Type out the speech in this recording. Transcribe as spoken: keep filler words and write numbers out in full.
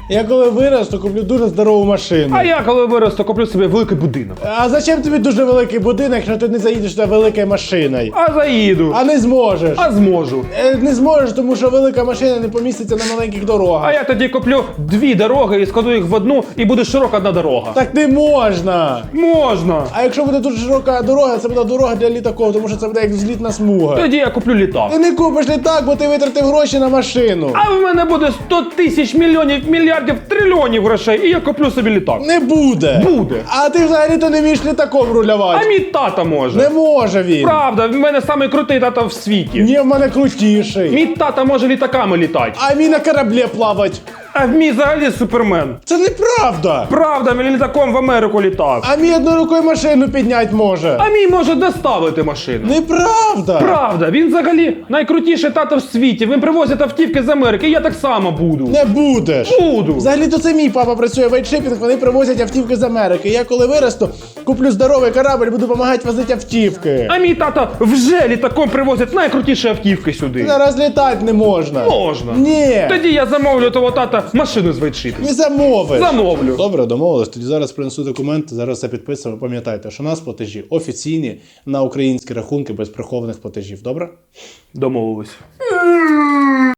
Я коли виросту, куплю дуже здорову машину. А я коли виросту, куплю собі великий будинок. А зачем тобі дуже великий будинок, якщо ти не заїдеш туди великою машиною? А заїду. А не зможеш. А зможу. Е, Не зможеш, тому що велика машина не поміститься на маленьких дорогах. А я тоді куплю дві дороги і складу їх в одну, і буде широка одна дорога. Так не можна. Можна. А якщо буде дуже широка дорога, це буде дорога для літаків, тому що це буде як злітна смуга. Тоді я куплю літак. Ти не купиш літак, бо ти витратив гроші на машину. А в мене буде сто тисяч мільйонів, мільярдів, трильйонів грошей, і я куплю собі літак. Не буде. Буде. А ти взагалі-то не вмієш літаком А рулювати. мій тата може. Не може він. Правда, в мене самий крутий тата в світі. Ні, в мене крутіший. Мій тата може літаками літати. А мій на кораблі плавать. А в мій взагалі супермен. Це неправда. Правда, він літаком в Америку літав. А мій одною рукою машину підняти може. А мій може доставити машину. Неправда. Правда, він взагалі найкрутіший тато в світі. Він привозить автівки з Америки, і я так само буду. Не будеш. Буду. Взагалі-то це мій папа працює в вайтшипінг, вони привозять автівки з Америки. Я коли виросту, куплю здоровий корабль, буду допомагати возити автівки. А мій тато вже літаком привозить найкрутіші автівки сюди. Зараз літати не можна. Можна. Ні. Тоді я замовлю того тата машину з вайтшипінг. Не замовиш. Замовлю. Добре, домовились. Тоді зараз принесу документи, зараз все підписуємо. Пам'ятайте, що у нас платежі офіційні на українські рахунки без прихованих платежів. Добре? Домовились.